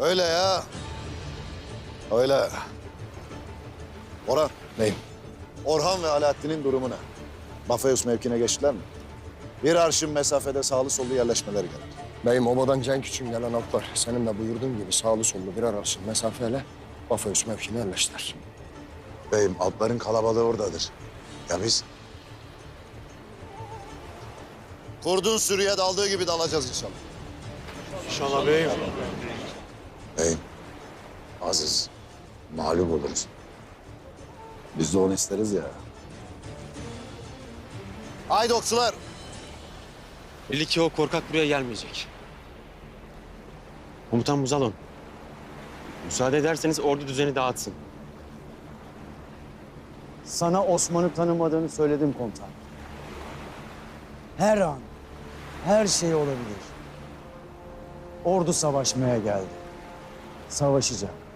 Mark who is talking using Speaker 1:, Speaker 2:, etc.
Speaker 1: Öyle ya. Öyle. Orhan.
Speaker 2: Beyim.
Speaker 1: Orhan ve Alaaddin'in durumu ne? Bafeus mevkine geçtiler mi? Bir arşın mesafede sağlı sollu yerleşmeleri gerek.
Speaker 2: Beyim obadan Cenk için gelen atlar senin de buyurduğun gibi sağlı sollu birer arşın mesafeyle Bafeus mevkine yerleştiler.
Speaker 1: Beyim atların kalabalığı oradadır. Ya biz? Kurdun sürüye daldığı gibi dalacağız inşallah.
Speaker 3: İnşallah beyim.
Speaker 1: Beyim, Aziz, mağlup oluruz. Biz de onu isteriz ya. Haydi okçular.
Speaker 3: Belli ki o korkak buraya gelmeyecek. Komutan Muzalon. Müsaade ederseniz ordu düzeni dağıtsın.
Speaker 4: Sana Osman'ı tanımadığını söyledim komutan. Her an, her şey olabilir. Ordu savaşmaya geldi. Savaşacak.